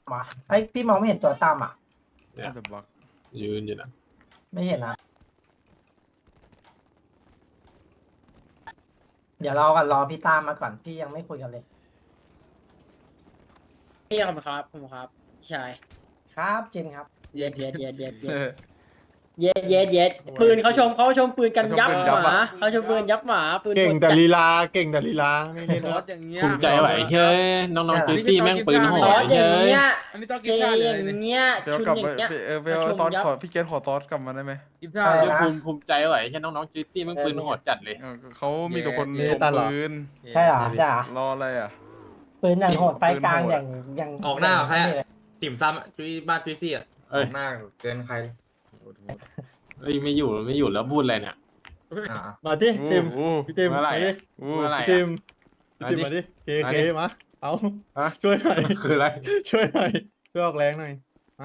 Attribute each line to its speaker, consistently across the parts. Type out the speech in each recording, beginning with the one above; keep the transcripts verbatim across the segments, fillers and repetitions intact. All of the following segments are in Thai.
Speaker 1: วะไอพี่มองไม่เห็นตัวตั้มอ่ะ
Speaker 2: น่าจะบล็อก
Speaker 3: ยืนอยู่นะ
Speaker 1: ไม่เห็นนะเดี๋ยวเรากันรอพี่ตั้มมาก่อนพี่ยังไม่คุยกันเลย
Speaker 4: พี่ครับครับผมครับใช่
Speaker 1: ครับจินครับ
Speaker 4: เย็ดเย็ดเย็ดเย็ดเย็ดเย็ดเย็ดเย็ดปืนเขาชมเขาชมปืนกันยับหมาเขาชมปืนยับหมาปืน
Speaker 5: เก่งแต่ลีลาเก่งแต่ลีลาไม่เล่น
Speaker 2: ร
Speaker 5: นะ
Speaker 2: ถอย่างเงี้ย
Speaker 3: ภูมิใจไหวเฮ้ยน้องๆจีตี้แม่งปืนโห
Speaker 4: ตอ
Speaker 3: ด
Speaker 4: สอ
Speaker 3: เฮ้
Speaker 4: ย่าง
Speaker 3: ย
Speaker 4: เงี้ย
Speaker 2: อันนี้ต้องกิ
Speaker 4: เก
Speaker 2: นข้าว
Speaker 4: ย์
Speaker 2: เล
Speaker 4: อย ย่างเงี้ย
Speaker 2: เฟล
Speaker 4: ชุน
Speaker 2: กลับ
Speaker 4: อ
Speaker 2: ไป
Speaker 4: ย่างเงี้ย
Speaker 2: เออเฟลตอนขอพี่เกตขอตอสกลับมาได้ไหม
Speaker 6: กิน
Speaker 1: ใช่
Speaker 6: ข้าว
Speaker 1: นะ
Speaker 3: ภูมิภูมิใจไหวเฮ้ยน้องๆจีตี้แม่งปืนโหดจัดเลย
Speaker 2: เออเขามีแต่คนชมปืน
Speaker 1: ใช่เหรอใช่เหรอ
Speaker 2: รออะไรอ่ะ
Speaker 1: ปืนอย่างโหดไฟกลางอย่างอย่าง
Speaker 7: ออกหน้าเหรอแค่ติ่มซ้ำจุ้ยบ้านจุ้ยซี่อ่ะอ
Speaker 3: เอ้ย
Speaker 7: อกหน้าเกินใคร
Speaker 3: เอ้ยไม่อยู่ไม่อยู่แล้วพูดอะไรเนี่ย
Speaker 7: อ่า
Speaker 5: มาดิติม
Speaker 2: โอ้
Speaker 5: พี่ติม
Speaker 3: เมื่อไหร่
Speaker 5: มาดิ
Speaker 2: โอ้
Speaker 3: เมื่อไหร่
Speaker 5: พี่
Speaker 3: อะ
Speaker 5: ติมพี่ติมมาดิเค
Speaker 3: มา
Speaker 5: เค
Speaker 3: ดิ
Speaker 5: มาเอา
Speaker 3: ฮะ
Speaker 5: ช่วยหน่อย
Speaker 3: คืออะไร
Speaker 5: ช่วยหน่อยช่วยออกแรงหน่อย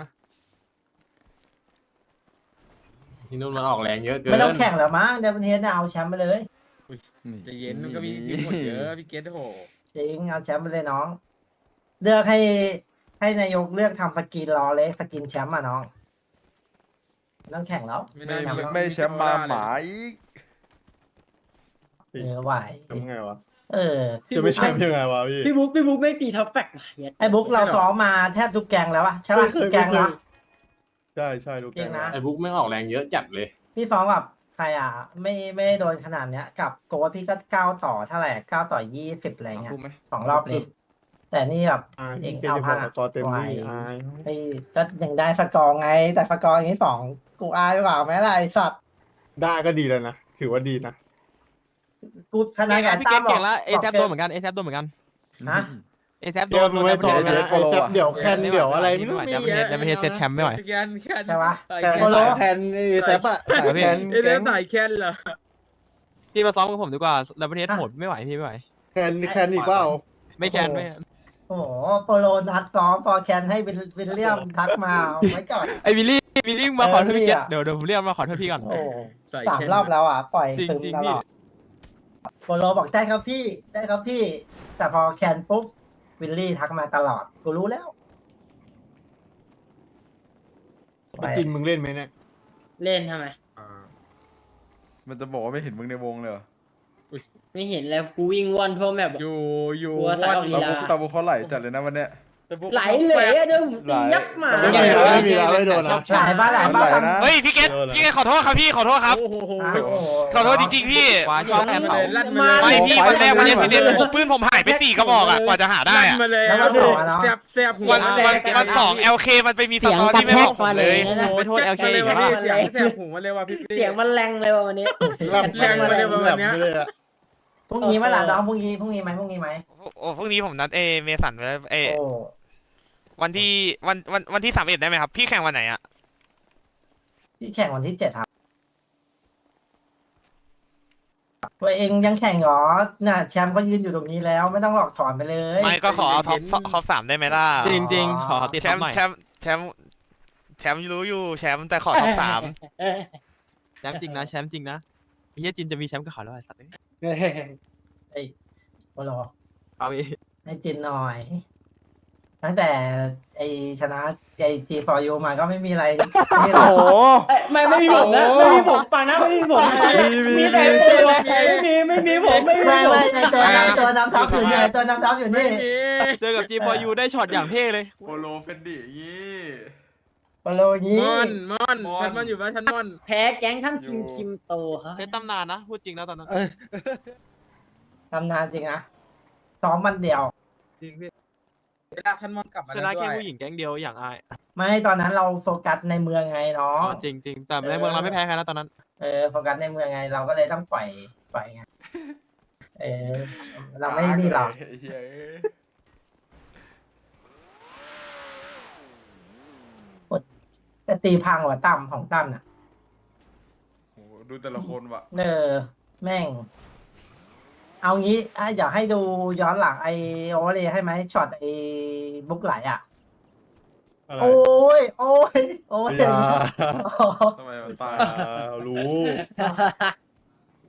Speaker 3: ที่นู่นมันออกแรงเยอะเกิน
Speaker 1: ไม่ต้องแข่งแล้วมั้งเดวินเฮดเนี่ยเอาแชมป์ไปเลย
Speaker 6: ใจะเย็นมันก็มีทีมหมดเยอะพี่เกตโอ้โห
Speaker 1: จริงเอาแชมป์ไปเลยน้อง เลือกให้ให้นายกเลือกทำสกินรอเลยสกินแชมป์อ่ะน้องไม่ต้องแข่งแล้ว
Speaker 2: ไม่
Speaker 1: ทำแล้ว
Speaker 2: ไม่แชมป์มาหมาอีก
Speaker 1: เออไหว
Speaker 5: ทำไงวะ
Speaker 1: เออ
Speaker 5: จะไม่แชมป์ยังไงวะพี่
Speaker 4: พี่บุ๊กพี่บุ๊กไม่ตีท็อปแฟกว่ะเย็ด
Speaker 1: ไอ้บุ๊กเราซ้อมมาแทบทุกแกงแล้วอะใช่ป่ะ
Speaker 5: ไม่เค
Speaker 1: ทุ
Speaker 5: ย
Speaker 1: กแกง
Speaker 5: ไม่เคย
Speaker 1: นะ
Speaker 5: ใช่ใช่ลูก
Speaker 1: จริงนะ
Speaker 3: ไอ้บุ๊กแม่งออกแรงเยอะจัดเลย
Speaker 1: พี่ซ้อมกับใครอ่ะ ไม่ไม่ได้โดนขนาดเนี้ย กับโกดพี่ก็เก้าต่อเท่าไหร่เก้าต่อยี่สิบอะไรเงี้ยสองรอบเลยแต่นี่แบบ
Speaker 5: อ่า
Speaker 1: เอง
Speaker 5: เก่ง
Speaker 1: เอา
Speaker 5: จะบ
Speaker 1: พั
Speaker 5: อก
Speaker 1: ง
Speaker 5: สกอร์เต็มที่
Speaker 1: ไหว
Speaker 5: อาย
Speaker 1: ไอ้ก็ยังได้สกอร์ไง แต่สกอร์อย่างนี้สองกูอายหรือเปล่าแม่ไรไอ้สัตว์
Speaker 5: ได้ก็ดีแล้วนะถือว่าดีนะ
Speaker 1: กูขนาดกับ
Speaker 8: พี่
Speaker 1: ตั้
Speaker 8: เก
Speaker 1: ม
Speaker 8: ต
Speaker 1: บอก
Speaker 8: เก่งแล้วเอแซ
Speaker 1: บอก
Speaker 8: โดนเหมือนกันเอแซโดนเหมือนกัน
Speaker 1: ฮะ
Speaker 8: เอแซโด
Speaker 5: เดี๋ยวน มึงไม่ต่อ
Speaker 8: โดน
Speaker 5: นะไอ้แจ๊บเดี๋ยวแคนเดี๋ยวอะไรไม่รู้
Speaker 8: ไม่
Speaker 5: มี
Speaker 8: ไหวจะไม่ใช่เซตแชมป์ไม่ไหว
Speaker 6: พี่แกนแคน
Speaker 1: ใช่ปะ
Speaker 6: สาย
Speaker 5: แต่
Speaker 6: แคน
Speaker 1: โปโล
Speaker 5: สายแคนไอ้แจ๊บอะสายแคน
Speaker 6: เอ้ย
Speaker 5: แก๊ง
Speaker 6: สายแคนเหรอ
Speaker 8: พี่มาซ้อมกับผมดีกว่าแล้วประเทศโหดไม่ไหวพี่ไม่ไหว
Speaker 5: แคนแคนอีกเปล่า
Speaker 8: ไม่แคนไม่
Speaker 1: โอ้โหโปโลนัดซ้อมพอแคนให้วิลวิลเลียมทักมาเอาไว้ก่อน
Speaker 8: ไอวิลลี่วิลลี่มาขอโทษพี่เกต
Speaker 1: เออพี่อะ
Speaker 8: เดี๋ยวเดี๋ยวผมเรียกมาขอโทษพี่ก่อน
Speaker 1: โอ้
Speaker 6: สาย
Speaker 1: สาม
Speaker 6: แคน
Speaker 1: รอบแล้วอ่ะ ปล่อย
Speaker 8: จริง
Speaker 1: ตึง
Speaker 8: จริง
Speaker 1: ต
Speaker 8: พี่
Speaker 1: ลอดโปโลบอกได้ครับพี่ได้ครับพี่ แต่พอแคนปุ๊บวิลลี่ทักมาตลอด กูรู้แล้ว
Speaker 5: ไปกินมึงเล่นไหมเนี่ย
Speaker 4: เล่นทำไม
Speaker 7: อ่า
Speaker 2: มันจะบอกว่าไม่เห็นมึงในวงเลยเหรอ
Speaker 4: ไม่เห็นแล้วกูวิ่งว่อนทั่วแมป
Speaker 6: อยู่อยู่
Speaker 4: กลัวสายออกลี
Speaker 2: ตา
Speaker 4: ลา
Speaker 2: บุกตาบุกเขาไหลจัดเลยนะวันเนี้ย
Speaker 4: ไหลเลยอะเดี๋ยวผมตียับหมา
Speaker 5: ไม่มีแล้วไม่มีแล้วไม่โดนนะ
Speaker 1: หลายบ้านหลายบ้าน
Speaker 2: ไหลนะ
Speaker 8: เฮ้ยพี่เกตพี่เกตขอโทษครับพี่ขอโทษครับ
Speaker 6: โอ้โห
Speaker 1: อ่ะโอ้โห
Speaker 8: ขอโทษจริงๆพี่ว่าชอบแทนเขา
Speaker 6: ลั่นมาเลย
Speaker 8: ไม่พี่วันแรกวันนี้พี่เดนผมปืนผมหายไปสี่กระบอกอ่ะกว่าจะหาได้
Speaker 6: ลั่น
Speaker 8: อ่ะ
Speaker 6: มาเลย
Speaker 1: แล้วก็สองอะเนาะ
Speaker 6: แซบแซบหัว
Speaker 8: วัน
Speaker 6: แด
Speaker 8: วัน
Speaker 6: ง
Speaker 8: วันสอง L K มันไปมีส
Speaker 4: เสียง
Speaker 8: ตอก
Speaker 4: ระ
Speaker 8: รี่ไม่
Speaker 4: แท
Speaker 8: บ
Speaker 4: ก
Speaker 8: อกผม
Speaker 4: มา
Speaker 8: เล
Speaker 4: เลย
Speaker 8: ย
Speaker 4: นะ
Speaker 8: ไปโทษ
Speaker 6: แจ็
Speaker 8: L
Speaker 6: ค
Speaker 8: K
Speaker 6: มาเลย
Speaker 8: อีก
Speaker 6: ว่ะ
Speaker 8: แล้ว
Speaker 6: พี่เสียงแซบหูมาเลยว่ะพี่
Speaker 4: เสียงมันแรงเลยว่ะวันนี้
Speaker 5: แลบ
Speaker 6: แรงมาเลยวันเนี้ย
Speaker 5: แลบเลยอะ
Speaker 1: พรุ่งนี้เมื่อไหร่น้องพรุ่งนี้พรุ่งนี้ไหมพรุ่งนี้ไหม
Speaker 8: โอ้พรุ่งนี้ผมนัดเอเมสันไว้เอ
Speaker 1: โอ้
Speaker 8: วันที่วันวันวันที่สามเอ็ดได้ไหมครับพี่แข่งวันไหนอ่ะ
Speaker 1: พี่แข่งวันที่เจ็ดครับตัวเองยังแข่งเหรอน่ะแชมป์ก็ยืนอยู่ตรงนี้แล้ว ไม่ต้องหลอกถอนไปเลย
Speaker 8: ไม่ก็ขอเอาท็อปท็อปสามได้ไหมล่ะ
Speaker 1: จริง
Speaker 8: ขอติดแชมป์แชมป์แชมป์แชมป์รู้อยู่แชมป์แต่ขอท็อปสามแชมป์จริงนะแชมป์จริงนะเฮียจินจะมีแชมป์กับเขาแล้วไอ้สัตว์
Speaker 1: ไอ้โปโล
Speaker 8: เอาไป
Speaker 1: ให้จินหน่อย ตั้งแต่ไอชนะไอจีฟอร์ยูมาก็ไม่มีอะไรนี่หร
Speaker 2: โอ้
Speaker 1: อก
Speaker 2: โห
Speaker 4: ไม่ไม่มีผมนะไม่มีผมปังนะไม่มีผมนะ
Speaker 2: มีมี
Speaker 4: มีแต่ตัวไม่มีไม่มีผมไม่มี
Speaker 1: ไม่
Speaker 4: ผม
Speaker 1: ไม่ไอตัวนำตัวนำทัพอยู่นี่ไอตัวนำทัพอยู่นี่
Speaker 8: เจอกับ G โฟร์ ยู ได้ช็อตอย่างเท่เลย
Speaker 2: โปโลเฟนดี้ยี่
Speaker 1: โปโลนี้
Speaker 6: มอนมอน
Speaker 2: มอน
Speaker 6: ท่านมอนอยู่บ้านท่านมอน
Speaker 4: แพ้แก๊งท่านคิมคิมโตครับ
Speaker 8: เซตตำนานนะพูดจริงนะตอนนั้น
Speaker 1: ทำนานจริงนะซ้อมมันเดียว
Speaker 5: จริงพี่
Speaker 6: เวลาท่านมอนกลับมา
Speaker 8: ชนะแค่ผู้หญิงแก๊งเดียวอย่างอาย
Speaker 1: ไม่ตอนนั้นเราโฟกัสในเมืองไงน้อง
Speaker 8: จริงจริงแต่ในเมืองเราไม่แพ้ใครนะตอนนั้น
Speaker 1: เออโฟกัสในเมืองไง เราก็เลยต้องปล่อยปล่อยไงเออเราไม่นี่หรอก
Speaker 2: ไอ้เหี้ย
Speaker 1: แต่ตีพังกว่าตั้มของตั้มน่ะ
Speaker 2: โอ้โหดูแต่ละคนว่ะ
Speaker 1: เออแม่ง เอางี้อ่ะอยากให้ดูย้อนหลังไอโอเวอร์เลยให้ไหมช็อตไอบุ๊กไหลอ่ะ
Speaker 5: อะไร
Speaker 1: โอ้ย โอ้ย โอ้ย
Speaker 5: อย่า
Speaker 2: ทำไมมันตาย
Speaker 5: อ่ารู้
Speaker 1: โอ้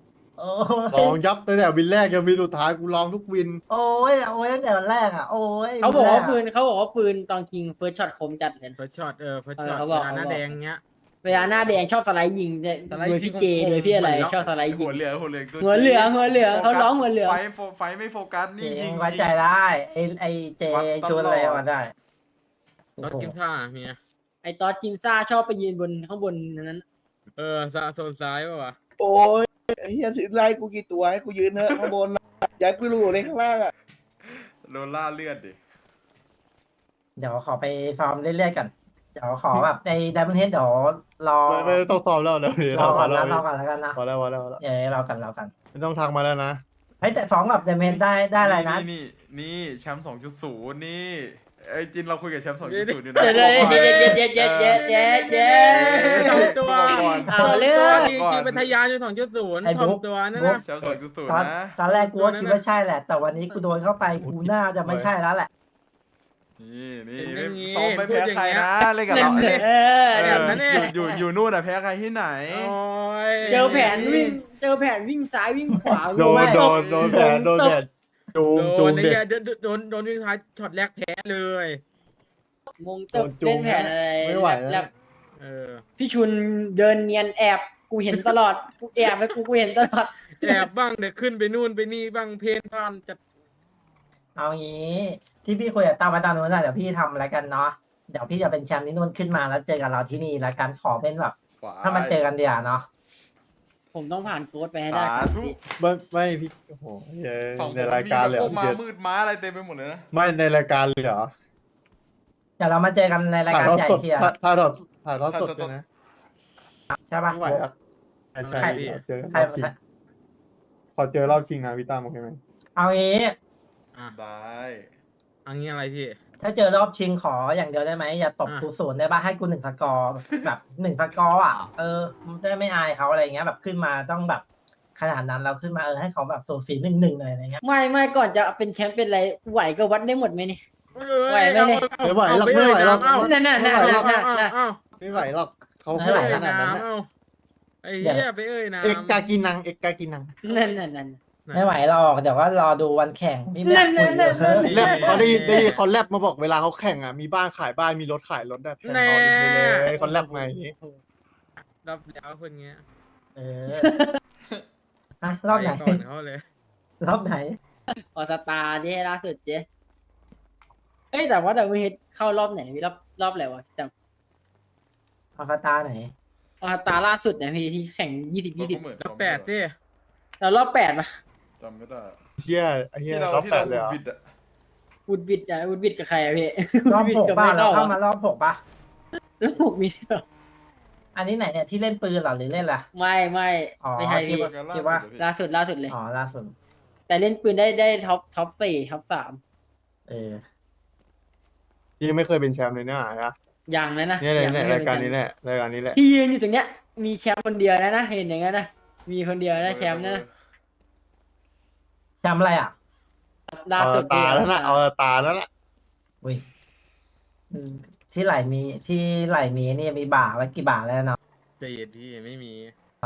Speaker 5: ลองยับตั้งแต่วินแรกยังวินสุดท้ายกูลองทุกวิน
Speaker 1: โอ้ยโอ้ยตั้งแต่วันแรกอ่ะโอ้ย
Speaker 4: เขาบอกว่า
Speaker 1: แร
Speaker 4: ปืนเขาบอกว่าปืนตอนคิงเฟิร์สช็อตคมจัดเลย
Speaker 6: เฟิร์สช็อตเออเฟิร์ส
Speaker 4: เออ
Speaker 6: ช็อต
Speaker 4: เขา
Speaker 6: เว
Speaker 4: บอก
Speaker 6: ลาหน้า
Speaker 4: เขาบอก
Speaker 6: แดงเงี้ย
Speaker 4: เวลาหน้าแดงชอบสไลด์ยิงเนี่ย
Speaker 6: สไลด์
Speaker 4: โดยพี่
Speaker 6: ยิง
Speaker 4: เจโดยพี่อะไร
Speaker 6: เหมือนล็อก
Speaker 4: ชอบสไลด์ยิ
Speaker 2: หั
Speaker 9: Dạ.
Speaker 4: ง
Speaker 2: วเหลืองหัวเหลืองตัว
Speaker 4: หัวเหลืองหัวเหลืองเขาร้องหัวเหลือง
Speaker 2: ไฟโฟไฟไม่โฟกัสนี่
Speaker 1: เจ
Speaker 2: ยิ
Speaker 1: ง
Speaker 2: ง
Speaker 1: ไว้ใจได้ไอไอเจ
Speaker 2: วัดตลอด
Speaker 1: ชวนอะไรมาได้
Speaker 6: รถกินซ่าเมีย
Speaker 4: ไอตอสกินซ่าชอบไปยืนบนข้างบนนั้น
Speaker 6: เออซาโซนซ้ายป่ะวะ
Speaker 9: โอ้ยไอ้เฮียถือไล่กูกี่ตัวให้กูยืนเถอะข้างบนอยากกูรู้เลยข้างล่างอ่ะ
Speaker 2: โดนล่าเลือดดิ
Speaker 1: เดี๋ยวขอไปฟาร์มเรื่อยๆกันเดี๋ยวขอแบบในดับเบิลเฮดเดี๋ยวรอ
Speaker 5: ไม่ไม่ต้องซ้อมแล้วเดี๋ยวนี้
Speaker 1: รอก่อน
Speaker 5: แล้
Speaker 1: นะ
Speaker 5: ว
Speaker 1: รอก่อนแล้วกันนะ
Speaker 5: พอแล้วพอแล้วพอแล้ว
Speaker 1: เดี๋ยวรอกันรอกัน
Speaker 5: ไม่ต้องทักมาแล้วนะ
Speaker 1: เฮ้ยแต่ฟ้องกับดับเบิลเฮดได้ได้อะไรนะ
Speaker 2: นี่นี่นี่แชมป์สองจุดศูนย์นี่ไอ้จินเราคุยกับแชมป์สองจุดศูนย์อยู่
Speaker 4: ๆ
Speaker 2: นะ
Speaker 4: เดี๋ยวเดี๋ยวเดี๋ยวเดี๋ยวเดี๋ยวเดี๋ยวเดี๋ยวเดี๋ยวเดี๋ยว
Speaker 6: ทำตัว
Speaker 4: เอาเรื่อง
Speaker 6: จริงจริงเป็นทยานอยู่สองจุดศูนย์
Speaker 1: ไอ้บุ๊ก
Speaker 6: ทำตัวนั่น
Speaker 1: บุ๊ก
Speaker 6: นะ
Speaker 2: แชมป์สองจุดศูนย์
Speaker 1: ตอน
Speaker 2: นะ
Speaker 1: ตอนแรกกูก็คิดว่าใช่แหละ แต่วันนี้กูโดนเข้าไปกูน่าจะไม่ใช่แล้วแหละ
Speaker 2: นี่นี่
Speaker 6: เป็นอย่างงี้
Speaker 2: ซ้อมไม่แพ้ใครนะเล่นกับ
Speaker 4: เล่
Speaker 2: เรา
Speaker 4: น
Speaker 2: เอ้ย
Speaker 4: เออ
Speaker 2: เอ
Speaker 4: เดี๋ยว
Speaker 2: อ
Speaker 4: นั้นเนี่ย
Speaker 2: อยู่อยู่อยู่นู่นอะแพ้ใครที่ไหน
Speaker 6: โอ้ย
Speaker 4: เจอแผนวิ่งเจอแผนวิ่งซ้ายวิ่งขวา
Speaker 5: โดน
Speaker 4: ไม่
Speaker 5: โดนโดนแผนโดนแผนจูง
Speaker 6: โด
Speaker 5: จู
Speaker 6: น
Speaker 5: ง
Speaker 6: ไอ้
Speaker 5: เด็ก
Speaker 6: เหี้ยโดนโดนโดนวิ่งท้ายช็อตแรกแพ้เลย
Speaker 4: งงตึบ
Speaker 5: โดนจู
Speaker 4: เล่
Speaker 5: ง
Speaker 4: นแผนอะไร
Speaker 5: ไม่ไหวแล้ว
Speaker 4: แล้ว
Speaker 6: เออ
Speaker 4: พี่ชุนเดินเนียนแอบกูเห็นตลอดกูแอบไปกูกูเห็นตลอด
Speaker 6: แอบบ้างเดี๋ยวขึ้นไปนู่นไปนี่บ้างเพนพานจะ
Speaker 1: เอางี้ที่พี่คุยกับตามาตานู้นนะเดี๋ยวพี่ทำแล้วกันเนาะเดี๋ยวพี่จะเป็นแชมป์ที่นู่นขึ้นมาแล้วเจอกันเราที่นี่แล้วกันขอเป็นแบบ ถ้ามันเจอกันเดียวเนาะ
Speaker 4: ผมต้องผ่านโค้ดไปให้ได้
Speaker 2: สา
Speaker 4: ครับ
Speaker 2: ธุ
Speaker 4: พี่
Speaker 5: ไม่ไม่พี่โอ้โหเย้
Speaker 2: ฝั่งผม
Speaker 5: ในรายการเลยเหร
Speaker 2: พ
Speaker 5: อ
Speaker 2: วก
Speaker 5: พี่
Speaker 2: ม้า
Speaker 5: เกศ
Speaker 2: มืดม้าอะไรเต็มไปหมดเลยนะ
Speaker 5: ไม่ในรายการเลยเหรอ
Speaker 1: เดี๋ยวเรามาเจอกันในราย
Speaker 5: ถ่าย
Speaker 1: การ
Speaker 5: ทอด
Speaker 1: ใหญ่
Speaker 5: สด
Speaker 1: เชียร์
Speaker 5: ถ่ายถ่ายทอดถ่ายทอดสดด้วยนะ
Speaker 1: ใช่ปะ
Speaker 5: ไม่ไหวอ่ะใช่ใช่
Speaker 1: ใคร
Speaker 5: ขอเจอ
Speaker 1: ใคร
Speaker 5: รอบชิงขอเจอรอบชิงนะพี่ตั้มโอเคไหม
Speaker 1: เอางี้
Speaker 6: อ่ะ
Speaker 2: ได้
Speaker 6: อันนี้อะไรพี่
Speaker 1: ถ้าเจอรอบชิงขออย่างเดียวได้ไหมอย่าตบ
Speaker 6: อ่ะ
Speaker 1: กูศูนย์ได้ปะให้กูหนึ่งสกอร์แบบหนึ่งสกอร์อ่ะเออได้ไม่อายเขาอะไรเงี้ยแบบขึ้นมาต้องแบบขนาดนั้นเราขึ้นมาเออให้เขาแบบสูสีหนึ่งหนึ่งเลยอะไรเงี้ย
Speaker 4: ไม่ไม่ก่อนจะเป็นแชมป์เป็นอะไรไหวก็วัดได้หมดไหมนี่ ไหวไหมเนี่ย
Speaker 5: ไม่ไหวหรอกไม่ไหวหรอก
Speaker 6: เอ้า
Speaker 4: นั่นน่ะนั่น
Speaker 5: ไม่ไหวหร
Speaker 4: น่ะ
Speaker 5: อก
Speaker 4: น่ะน่ะ
Speaker 6: เอ้า
Speaker 5: ไม่ไหวหรอกเขา
Speaker 6: ไป
Speaker 5: ไม่ไหว
Speaker 6: เอ่ย
Speaker 5: ขนาดนั้น
Speaker 6: น้ำ
Speaker 5: นะ
Speaker 6: เอ้าไอ้เหี้ยไปเอ้ยน้ำ
Speaker 5: เอกกากินังเอกกากินัง
Speaker 4: นั่นน่ะนั่น
Speaker 1: ไม่ไหวหรอกเดี๋ยวก็รอดูวันแข่งพี่แม่คุยเยอะ
Speaker 5: แลบเขาได้ได้เขาแลบมาบอกเวลาเขาแข่งอ่ะมีบ้านขายบ้านมีรถขายรถได้แพงเอาอีกไปเลยเขาแลบมาอย่างนี้
Speaker 6: รับแล้วคนเงี้ย
Speaker 1: เอออะรอบไหน
Speaker 6: ปก่อนเขาเลย
Speaker 1: รอบไหน
Speaker 4: ออสตาร์ที่ล่าสุดเจ๊เอ้ยแต่ว่าดับเบิลเฮดเข้ารอบไหนพี่รอบรอบอะไรวะจำ
Speaker 1: ออฟตาไหน
Speaker 4: ออสตาร์ล่าสุดเนี่ยพี่ที่แข่งยี่สิบยี่สิบ
Speaker 2: เหมือน
Speaker 6: แล้วแปดดิ
Speaker 4: แล้วรอบแปดปะ
Speaker 2: จำไม่ได้
Speaker 5: เชี่ยไอ้เหี้ย
Speaker 2: ที่เรา
Speaker 5: รอบ
Speaker 2: ที่
Speaker 5: แป
Speaker 2: เรา
Speaker 5: ดเลยเหรอ
Speaker 2: บิดอะ
Speaker 4: วุดวิดอะวุดวิดกับใครอะพี่
Speaker 1: รอบ
Speaker 4: วุดวิด
Speaker 1: หก
Speaker 4: กับ
Speaker 1: ป่ะ
Speaker 4: ไม่
Speaker 1: เรา
Speaker 4: เข้า
Speaker 1: เข้ามา
Speaker 4: อะ
Speaker 1: รอบหกป่ะ
Speaker 4: แล้วหกมีด้วยเหรอ
Speaker 1: อันนี้ไหนเนี่ยที่เล่นปืนเหรอหรือเล่นอะไร
Speaker 4: ไม่ไม่
Speaker 1: อ๋อ
Speaker 4: ไม่ใช่พี่
Speaker 1: คิดว่า
Speaker 4: ล่าสุดล่าสุดเลย
Speaker 1: อ๋อล่าสุด
Speaker 4: แต่เล่นปืนได้ได้ท็อปท็อปสี่ท็อปสาม
Speaker 1: เออ
Speaker 5: ยังไม่เคยเป็นแชมป์เลยเนี่ยฮะ
Speaker 4: อย่างนั้นนะ
Speaker 5: เนี่ยเนี่ย
Speaker 4: ง
Speaker 5: เนี่ย
Speaker 4: ไม่
Speaker 5: รายการ
Speaker 4: เป็
Speaker 5: นี้แหละรายการนี้แหละ
Speaker 4: ที่ยืนอยู่ตรงเนี้ย มีแชมป์คนเดียวนะนะเห็นอย่างนั้นนะมีคนเดียวนะแชมป์นะ
Speaker 1: แชมป์อะไรอ่ะ
Speaker 4: ล่า
Speaker 5: เอา
Speaker 4: สุด
Speaker 5: ตาแล้วนะเอาตาแล้วล่ะ
Speaker 1: อุ้ยอืมที่ไหลมีที่ไหลมีนี่มีบ่าไว้กี่บ่าแล้วเนาะ
Speaker 6: ใจเย็นพี่ไม่มี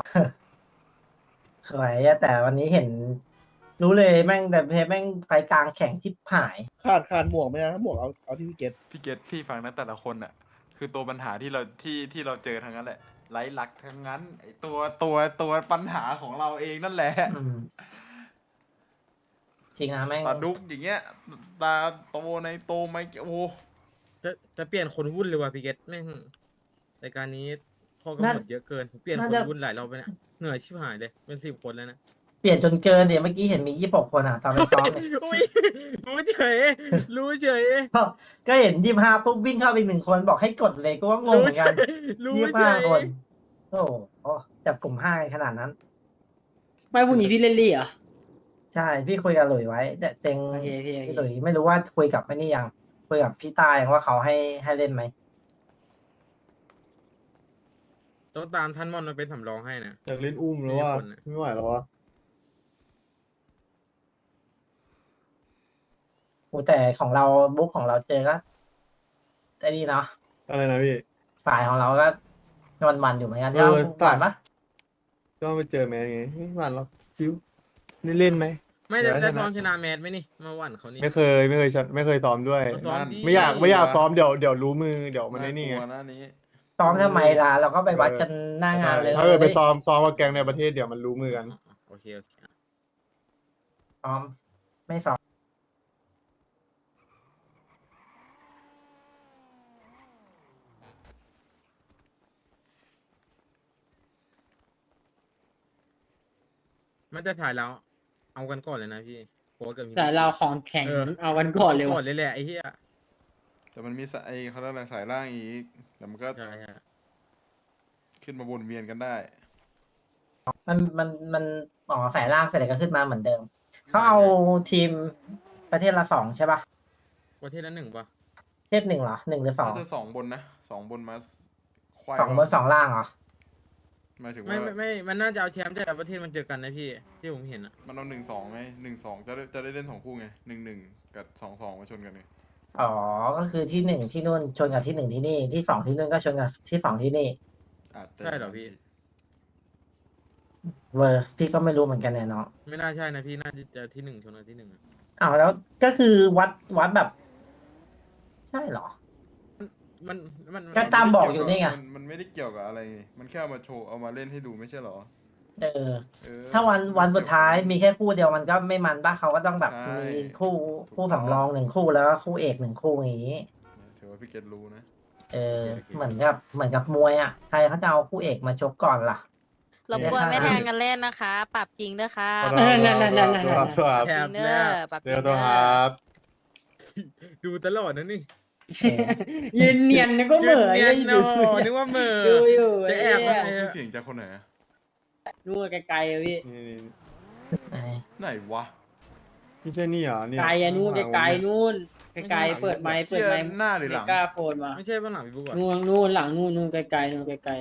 Speaker 1: สวยอะแต่วันนี้เห็น รู้เลยแม่งแต่เพแม่งไฟกลางแข่งที่หาย
Speaker 9: ขาดขาดหมวกไหมนะถ้าหมวกเอาเอาที่พี่เกต
Speaker 2: พี่เกตพี่ฟังนะแต่ละคนอะคือตัวปัญหาที่เราที่ที่เราเจอทั้งนั้นแหละไร้หลักทั้งนั้นไอตัวตัวตัวปัญหาของเราเองนั่นแหละ
Speaker 1: อืมจริงนะแม่ง
Speaker 2: ตาดุกอย่างเงี้ยตาโตในโตไม่โอ้
Speaker 6: จะจะเปลี่ยนคนวุ่นเลยว่ะพี่เกตแม่งรายการนี้ข้อกำหนดเยอะเกินผมเปลี่ยนคนวุ่นหลายรอบไปเนี่ยเหนื่อยชิบหายเลยเป็นสิบคนแล้วนะ
Speaker 1: เปลี่ยนจนเกินเดี๋ยวเมื่อกี้เห็นมียี่สิบหกคนอ่ะตอนไปซ้อมเนี่ย
Speaker 6: อุ้ยรู้เฉยรู้เฉย
Speaker 1: ก็ก็เห็นยี่ห้าปุ๊บวิ่งเข้าไปหนึ่งคนบอกให้กดเลยก็ว่างงเหมือนกัน
Speaker 6: รู้
Speaker 1: ยี่
Speaker 6: เฉ
Speaker 1: ห้าย คนโอ้โหจับกลุ่มห้ากันขนาดนั้น
Speaker 4: ไม่พรุ่งนี้พี่เล่นลี่เหรอ
Speaker 1: ใช่พี่คุยกับหลุยไว้แต่เต็ง
Speaker 4: โอเคพี่โอ
Speaker 1: พี่
Speaker 4: เค
Speaker 1: หลุยไม่รู้ว่าคุยกับไอ้นี่ยังคุยกับพี่ตายังว่าเขาให้ให้เล่นไหม
Speaker 6: ต้องตามท่านมอนมาเป็นสำรองให้นะ
Speaker 5: อยากเล่นอุ้มแล้วว่า
Speaker 6: มีคนอะ
Speaker 5: ไม่ไหวแล้วว่า
Speaker 1: โอ้แต่ของเราบุ๊กของเราเจอก็ไอ้นี่เนาะ
Speaker 5: อะไรนะพี่
Speaker 1: ฝ่ายของเราก็วันวันๆอยู่เหมือนกัน
Speaker 5: เอ
Speaker 1: ที่เรา
Speaker 5: อ
Speaker 1: หวานปะ
Speaker 5: ก็ไปเจอแมนไงไม่หวานหรอกชิวนี่เล่นไหม
Speaker 6: ไม่
Speaker 5: เดี๋
Speaker 6: ได้
Speaker 5: ยว
Speaker 6: ได้
Speaker 5: ชนะ
Speaker 6: ซ้อมชนะแมทไหมนี่มาหวั่นเขานี่
Speaker 5: ไม่เคยไม่เคยชัดไม่เคยซ้อมด้วย
Speaker 6: ซ้อมดี
Speaker 5: ไม่อยากไม่อยากซ้อมเดี๋ยวเดี๋ยวรู้มือเดี๋ยวมัน
Speaker 2: น่า
Speaker 5: ไอ้นี่
Speaker 2: ก
Speaker 5: ไง
Speaker 2: ลัวหน้านี้
Speaker 1: ซ้อมทำไมล่ะเราก็ไปวัดกันหน้างานเลย
Speaker 5: ถ้าเกิดไปซ้อมซ้อมกับแกงในประเทศเดี๋ยวมันรู้มือกัน
Speaker 6: โอเคโอเค
Speaker 1: ซ้อมไม่ซ้อม
Speaker 6: มันจะถ่ายแล้วเอากันก่อนเลยนะพี่โค้ชกับพี่
Speaker 4: แต่เราของแข่ง
Speaker 6: เออ
Speaker 4: เอาวันก่อนเลย
Speaker 6: ก่อ
Speaker 4: ว่ะ
Speaker 6: นเลยแหละไอ้เหี้ย
Speaker 2: แต่มันมีสายเขาเรียกอะไรสายล่างอีกแต่มันก็
Speaker 6: ใช่ใช่
Speaker 2: ขึ้นมาวนเวียนกันได้
Speaker 1: มันมันมันอ๋อสายล่างเสร็จแล้วก็ขึ้นมาเหมือนเดิมเขาเอาทีมประเทศละสองใช่ปะ
Speaker 6: ประเทศละหนึ่งปะ
Speaker 1: ประเทศหนึ่งเหรอหนึ่งหรือสอง
Speaker 2: น่าจะสองบนนะสองบนมาควาย
Speaker 1: สองบนสองล่างเหรอ
Speaker 2: หมายถึง
Speaker 6: ไม่
Speaker 2: ว่า
Speaker 6: ไม่ไม่มันน่าจะเอาแชมป์แต่ละประเทศมันเจอกันนะพี่ที่ผมเห็นอะ
Speaker 2: มันเอาหนึ่งสองไงหนึ่งสองจะได้จะได้เล่นสองคู่ไงหนึ่งหนึ่งกับสองสองมาชนกันไง
Speaker 1: อ๋อก็คือที่หนึ่งที่นู่นชนกับที่หนึ่งที่นี่ที่สองที่นู่นก็ชนกับที่สองที่นี่
Speaker 2: อาจจะ
Speaker 6: ใช่เหรอพี่
Speaker 1: เวอร์พี่ก็ไม่รู้เหมือนกันเนี่ยเนาะ
Speaker 6: ไม่น่าใช่นะพี่น่าจะเจอที่หนึ่งชนกับที่หนึ่งอะ
Speaker 1: อ้าวแล้วก็คือวัดวัดแบบ ใช่เหรอ
Speaker 6: มันมัน
Speaker 1: ก็ตามบอกอยู่นี่ไง
Speaker 2: มันมันไม่ได้เกี่ยวกับอะไรไงมันแค่เอามาโชว์เอามาเล่นให้ดูไม่ใช่เหรอ
Speaker 1: เออ
Speaker 2: เออ
Speaker 1: ถ้าวันวันสุดท้ายมีแค่คู่เดียวมันก็ไม่มันป่ะเขาก็ต้องแบบ
Speaker 2: ใช่
Speaker 1: มีคู่
Speaker 2: ถูก
Speaker 1: คู่
Speaker 2: ต้อง
Speaker 1: สำรองหนึ่งคู่แล้วก็คู่เอกหนึ่งคู่อย่างนี้
Speaker 2: ถือว่าพี่เกดรู้นะ
Speaker 1: เออ เหมือนกับเหมือนกับมวยอ่ะใครเขาจะเอาคู่เอกมาชกก่อนล่ะ
Speaker 10: รบกวนไม่แทงกันเล่นนะคะ ปรับจริงด้วยค่ะ
Speaker 5: ขอ
Speaker 4: นั่
Speaker 5: โทษ
Speaker 4: นนั่นนั่นนั่น
Speaker 5: ครับสวัส
Speaker 6: แถ
Speaker 5: ดี
Speaker 6: บ
Speaker 10: เด้
Speaker 6: แร
Speaker 10: อก ปรับจ
Speaker 5: เดี๋
Speaker 10: ริ
Speaker 5: ยว
Speaker 10: ง
Speaker 5: ตัว
Speaker 10: เด้
Speaker 5: ค
Speaker 10: อ
Speaker 5: รับ
Speaker 6: ดูตลอดนะนี่
Speaker 4: ยืนเนียนนึกว่าเหม่อ
Speaker 6: ยืน
Speaker 4: ยั
Speaker 6: เนียน
Speaker 4: ดู
Speaker 6: โอ้นึกว่าเหม่อ
Speaker 4: ดูอยู่
Speaker 6: จะแอบ
Speaker 4: ไอ้
Speaker 6: มา
Speaker 4: เหี้ย
Speaker 2: คือเสียงจากคนไหนอะ
Speaker 4: นู่นไกลๆอะพี่
Speaker 5: นี่นี่
Speaker 1: ไอ้
Speaker 2: ไหนวะ
Speaker 5: ไม่ใช่นี่เหรอเนี่ย
Speaker 4: ไกลอะนู่นไกลๆนู่นไกลๆเปิดไมค์เปิดไมค์
Speaker 2: เหี้ยหน้าหรือหลัง
Speaker 4: เมกาโฟนมา
Speaker 6: ไม่ใช่บ้านหลังพี่บุ๊กอะ
Speaker 4: นู่นนู่นหลังนู่นนู่นไกลๆนู่นไกล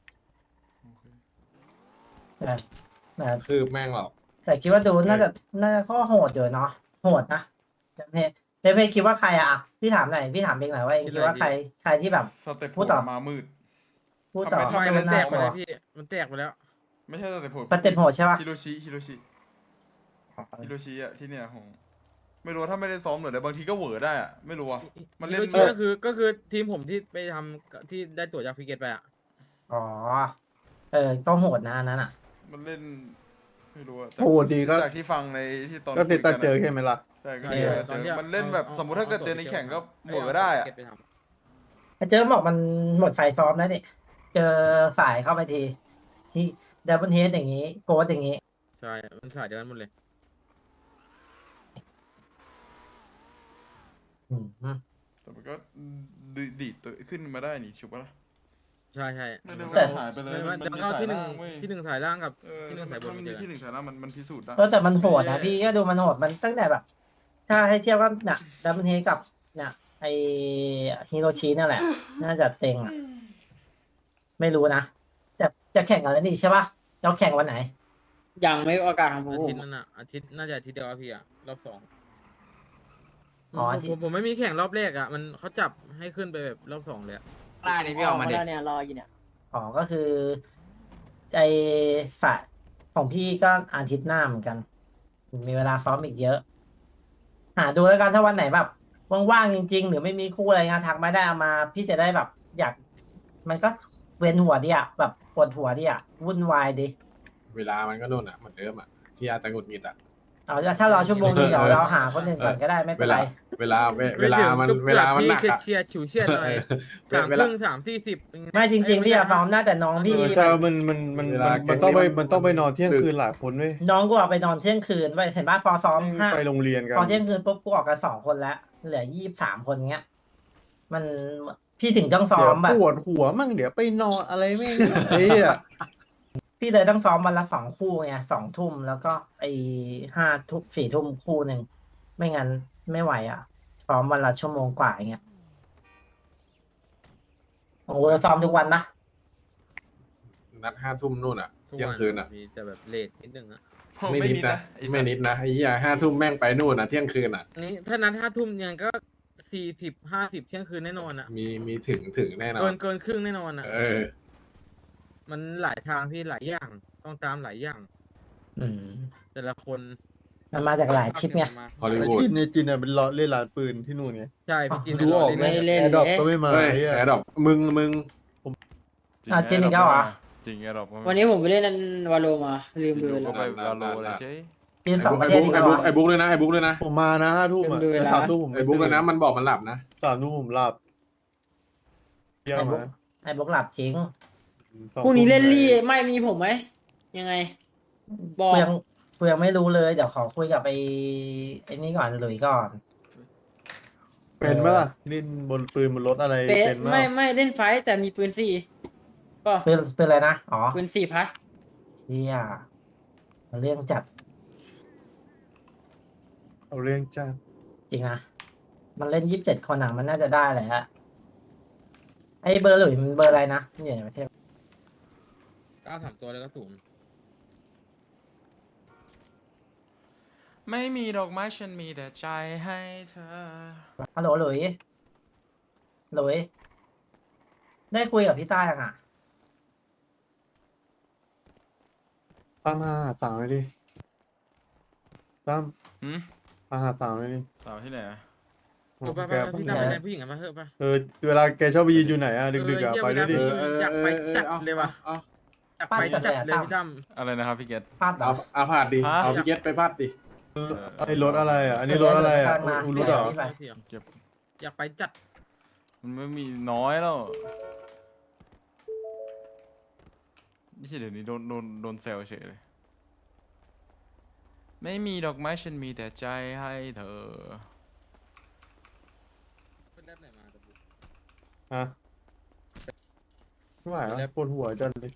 Speaker 1: แต่แต่
Speaker 5: คือแม่งหรอก
Speaker 1: แต่คิดว่าดูน่าจะน่าจะข้อโหดอยู่เนาะโหดนะเดมเพเดมเพคิดว่าใครอะพี่ถามหน่อยพี่ถามเองหน่อยว่าเองคิดว่าใครใครที่แบบ
Speaker 2: สเต็ป
Speaker 1: พูดต่อ
Speaker 2: มามืด
Speaker 1: พูดต่อ
Speaker 2: ทำไม
Speaker 6: ไม่
Speaker 2: ทำ
Speaker 6: มันแตกไป
Speaker 1: น่า
Speaker 6: แล้ว
Speaker 1: ลัว
Speaker 6: พี่มันแตกไปแล้ว
Speaker 2: ไม่ใช่สเต็ปโหด
Speaker 1: สเต็ปโหดใช่ปะ
Speaker 2: ฮิโรชิฮิโรชิฮิโรชิอะที่เนี่ยของไม่รู้ว่าถ้าไม่ได้ซ้อมหน่อยแต่บางทีก็เหวอได้อะไม่รู้อะมันเล่น
Speaker 6: ฮิโรชิก็คือก็คือทีมผมที่ไปทำที่ได้ตั๋วจากพิเกตไปอะ
Speaker 1: อ๋อเออก็โหดนะอันนั้นอะ
Speaker 2: มันเล่นไม่รู้อะ
Speaker 5: โอ้โหดีก็
Speaker 2: จากที่ฟังในที่ตอน
Speaker 5: ก็เซตตา
Speaker 2: คุย
Speaker 5: เจอ
Speaker 2: กันอะ
Speaker 5: ใช่ไหมล่ะ
Speaker 2: ใช่ก็
Speaker 1: เอ
Speaker 2: เจ
Speaker 1: อ
Speaker 2: อเจอมันเล่นแบบสมมุติถ้าเกิดเจอในแข่งก็เหวอได้อะ
Speaker 1: ไอ้เจอบอกมันหมดไฟซ้อมแล้วนี่เจอสายเข้าไปที ที่ดับเบิลเฮดอย่างนี้ โกดอย่างนี้
Speaker 6: ใช่มันสายเดียวกันหมดเลย
Speaker 1: อืม
Speaker 2: แต่มันก็ดีดีดตัวขึ้นมาได้นี่ชุบปะล่ะ
Speaker 6: ใช่ใช่
Speaker 2: ไม่ได้
Speaker 1: แต่
Speaker 2: ว่าหายไปเลย
Speaker 6: มัน
Speaker 2: มัน
Speaker 6: จะ
Speaker 2: มี
Speaker 6: เข้า
Speaker 2: สาย
Speaker 6: ที่หนึ่ง
Speaker 2: ล่างเว้ย
Speaker 6: ที่หนึ่งสายล่างกับ
Speaker 2: เออ
Speaker 6: ที่หนึ่งสายบน
Speaker 2: มัน
Speaker 6: เจ
Speaker 2: มี
Speaker 6: อ
Speaker 2: ที่หนึ่งสายล่างมันมันพิสูจน์ได้
Speaker 1: ก็แต่มันโหดนะพี่ก็ดูมันโหดมันตั้งแต่แบบ ถ้าให้เทียบว่าเนี่ยดับเบิลเฮดกับเนี่ยไอฮิโรชินั่นแหละ น่าจะเต็งอะไม่รู้นะจะจะแข่งกันแล้วนี่ใช่ปะเราแข่งวันไหน
Speaker 4: ๆยังไม่ประกาศของผม
Speaker 6: อาทิตย์นั้นอ่ะอาทิตย์น่าจะอาทิตย์เดียวอะพี่อะรอบสอง
Speaker 1: อ๋ออาทิตย์
Speaker 6: ผมผมไม่มีแข่งรอบแรกอ่ะมันเขาจับให้ขึ้นไปแบบรอบสองเลยอะ
Speaker 8: ได้นี่พี่ออกมาดิ
Speaker 4: แล้วเนี่ยรออยู่เนี่ย
Speaker 1: อ๋อก็คือไอฝ่ายของพี่ก็อาทิตย์หน้าเหมือนกัน มีเวลาซ้อมอีกเยอะ หาดูแล้วกันถ้าวันไหนแบบว่างๆจริง ๆ หรือไม่มีคู่อะไรงานทักไม่ได้เอามา พี่จะได้แบบ อยาก มันก็เวียนหัวดิอ่ะแบบปวดหัวดิอ่ะวุ่นวายดิ
Speaker 3: เวลามันก็นู่นอ่ะเหมือนเดิมอ่ะที่อาจจะหงุดหงิดอ่ะ
Speaker 1: เอาถ้ารอชั่วโมงนึงเดี๋ยวเราหาคนอื่นก่อนก็ได้ไม่
Speaker 3: เว
Speaker 1: เป็น
Speaker 3: ลา
Speaker 1: ไร
Speaker 3: เวลาเวเวลามัน
Speaker 6: กือบ
Speaker 3: เวลามันหนัก
Speaker 6: กือบ
Speaker 3: อ่ะ
Speaker 6: พี่เฉียดๆฉิวเฉียดหน่อย
Speaker 3: เว
Speaker 6: สาม
Speaker 3: เว
Speaker 6: ค
Speaker 3: ลา
Speaker 6: รึ่งสามสี่สิบ
Speaker 1: ไม่จริง ๆ พี่อะซ้อมหน้าแต่น้องพี่
Speaker 5: ใช่มันมันมัน
Speaker 3: เว
Speaker 5: มัน
Speaker 3: ลา
Speaker 5: มันต้องไป
Speaker 3: แก๊งนี้มัน
Speaker 5: มันต้องไปนอนเที่ยงคืนหลายคนเว้ย
Speaker 1: น้องกูเอาไปนอนเที่ยงคืนไปเห็นป่ะพอซ้อมห้า
Speaker 5: ไปโรงเรียนกัน
Speaker 1: พอเที่ยงคืนปุ๊บกูออกกันสองคนแล้ว เหลือยี่สิบสามคนเงี้ย มันพี่ถึงต้องซ้อ
Speaker 5: เดี๋ยว
Speaker 1: มแบบ
Speaker 5: ปวดหัวมั่งเดี๋ยวไปนอนอะไรไม่เอ้ยอะ
Speaker 1: พี่เลยต้องซ้อมวันละสองคู่ไงสองทุ่มแล้วก็ไอห้าทุ่มสี่ทุ่มคู่หนึ่งไม่งั้นไม่ไหวอ่ะซ้อมวันละชั่วโมงกว่าอย่างเงี้ยโอ้โหซ้อมทุกวันนะ
Speaker 3: นัดห้าทุ่มนู่นอ่ะ
Speaker 6: ทุก
Speaker 3: เที่ยง
Speaker 6: วัน
Speaker 3: คืนอ่ะ
Speaker 6: มีแต่แบบเลทนิดนึงอะ
Speaker 3: ไม่นิดนะ
Speaker 2: ไอ้
Speaker 3: ไม่นิดนะไอ้เหี้ยห้าทุ่มแม่งไปนู่นอ่ะเที่ยงคืนอ่ะ
Speaker 6: อันนี้ถ้านัดห้าทุ่มยังก็สี่สิบห้าสิบเที่ยงคืนแน่นอนอะ
Speaker 3: มีมีถึงถึงแน่นอ
Speaker 6: เกิ
Speaker 3: น
Speaker 6: นเกินครึ่งแน่นอนอะ
Speaker 3: เออ
Speaker 6: มันหลายทางพี่หลายอย่างต้องตามหลายอย่าง
Speaker 1: อืม
Speaker 6: แต่ละคน
Speaker 1: มันมาจากหลายชิปไง
Speaker 3: ฮอลลี
Speaker 5: ไอ้
Speaker 3: วูด
Speaker 5: จินในจินอ่ะเป็นล้อเล่นร้านปืนที่นู่นไง
Speaker 6: ใช่พี่จิน
Speaker 5: ดูออกไหม
Speaker 4: ไม่เล่น
Speaker 5: แอร์ดรอป
Speaker 4: เลย
Speaker 5: ก็ไม่มา
Speaker 3: เฮ้ย
Speaker 5: ไอ้เหี้ย
Speaker 3: แอร์ดรอปมึงมึง
Speaker 1: อ่ะจริงอีกแล้วเหรอ
Speaker 2: จริงแอร์ดรอป
Speaker 4: วันนี้ผมไปเล่นวาโลมาลืมดู
Speaker 2: อยู่
Speaker 4: แล้
Speaker 2: ก็
Speaker 4: ว
Speaker 2: ไปวาโลเลยใช่
Speaker 1: ปีนสองประ
Speaker 3: ไอ้
Speaker 1: เทศ
Speaker 3: บุ๊ก
Speaker 1: อีก
Speaker 3: ไอ้
Speaker 1: แล้ว
Speaker 3: บุ๊ก
Speaker 1: เหรอ
Speaker 3: ไอ้บุ๊กด้วยนะไอ้บุ๊กด้วยนะ
Speaker 5: ผมมานะห้าทุ่มอ่ะ
Speaker 4: ดูเวลา
Speaker 5: สามทุ่มผม
Speaker 3: ไอ้บุ๊กด้วยนะมันบอกมันหลับนะ
Speaker 5: สามทุ่มผมหลับเที่ยงมา
Speaker 1: ไอ้บกหลับจริง
Speaker 5: สอง
Speaker 4: พรุ่งนี้เล่น
Speaker 5: ทุ่ม
Speaker 4: ลี่ไม่มีผมไหมยังไง บอก
Speaker 1: กูยังกูยังไม่รู้เลย เดี๋ยวขอคุยกับไอ้ไอ้นี่ก่อนหลุยก่อน
Speaker 5: เป็นไหมล่ะเล่นบนปืนบนรถอะไร
Speaker 4: เป๊ะ
Speaker 5: เป็นไหม
Speaker 4: ไม่ไม่เล่นไฟท์แต่มีปืนสี่ก็
Speaker 1: เป็นเป็นอะไรนะ อ๋อ
Speaker 4: ปืนสี่พัส
Speaker 1: เชี่ยเรื่องจัด
Speaker 5: เอาเรื่องจ้า
Speaker 1: จริงนะ มันเล่นยี่สิบเจ็ดคนอ่ะ มันน่าจะได้แหละ ไอ้เบอร์หลุยมันเบอร์อะไรนะมันอยู่ในประเทศ
Speaker 6: เก้าสามตัวแล้วก็ศูนย์
Speaker 2: ไม่มีดอกไม้ฉันมีแต่ใจให้เธอ
Speaker 1: ฮัลโหลหลุยหลุย ได้คุยกับพี่ต้ายังอ่ะ
Speaker 5: ตั้มมาหาสาวเลยดิตั้ม
Speaker 2: หืม
Speaker 5: มาหาสาวเลยดิ
Speaker 2: สาวที่ไหนอะ
Speaker 6: เออไปไป
Speaker 5: แก
Speaker 6: ไปพี่ตามไปแทนผู้หญิงกันมาเถอะไป
Speaker 5: เออเวลาแกชอบไปยืนอยู่ไหนอ่ะดึกๆอ่ะ
Speaker 6: เออ
Speaker 5: ไปด้วยดิ
Speaker 6: เหี้อยากไปจัดเลยว่ะ
Speaker 3: เอา
Speaker 6: อยากไปจัดเลยพี่ตั้ม
Speaker 2: อะไรนะครับพี่เกต
Speaker 1: พลาดเหร
Speaker 3: เอา
Speaker 1: อ
Speaker 3: เอาพาดดิ
Speaker 2: ฮะ
Speaker 3: เอาพี่เกตไปพาดดิ
Speaker 5: ไอ้รถอะไรอ่ะอันนี้รถอะไรอ่ะ
Speaker 1: เดี๋ยว
Speaker 5: อูรุดเหรอ
Speaker 1: ไป
Speaker 2: เก็บ
Speaker 6: อยากไปจัด
Speaker 2: มันไม่มีน้อยแล้วนี่เดี๋ยวนี้โดนโดนโดนเซลเฉยเลย ไม่มีดอกไม้ฉันมีแต่ใจให้เธอ
Speaker 6: เป็นแรปไหนมาตะบุ
Speaker 5: ฮะไม่ไหวแล้วปวดหัวจังเลย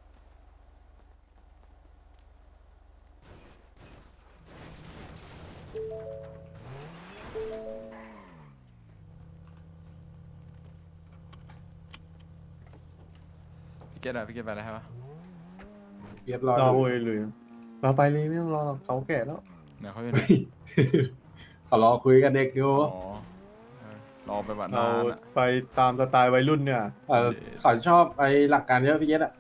Speaker 2: พี่เกตอะพี่เกตไปแล้วใช่ปะ
Speaker 3: เกียรรอ
Speaker 5: รอ
Speaker 3: อยู่
Speaker 5: โวยเลยเราไปเลยไม่ต้องรอหรอกเขาแก่แล้ว
Speaker 2: ไหนเขาอยู่ไหน
Speaker 3: ขอรอคุยกับเด็กอยู่
Speaker 2: อ๋อเออรอไปวัน
Speaker 5: เรา
Speaker 2: นานอะ
Speaker 5: ไปตามสไตล์วัยรุ่นเนี่ย
Speaker 3: เออเขาชอบไอ้หลักการเยอะพี่เกตอ่ะ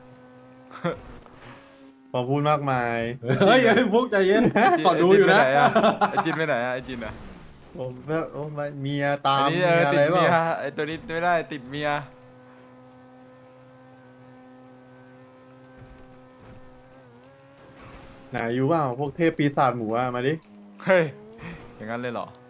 Speaker 5: พอพูดมากมาย
Speaker 3: เฮ้ยเฮ้ยพวกใจเย็นขอดูอยู่นะ
Speaker 2: ไอจินไปไหนอะไอจินอะ
Speaker 5: ผมแบบโอ้ไม่เมียตา
Speaker 2: ไอ
Speaker 5: ม
Speaker 2: นี่
Speaker 5: เมี
Speaker 2: เอยอ
Speaker 5: อะ
Speaker 2: ติ
Speaker 5: ไร
Speaker 2: ด
Speaker 5: เป
Speaker 2: เมีย
Speaker 5: ล่า
Speaker 2: ไอตัวนี้ไม่ได้ติดเมีย
Speaker 5: ไหนอยู่เปล่าพวกเทพปีศาจหมูอะมาดิ
Speaker 2: เฮ้ยอย่างนั้นเลยเหรอ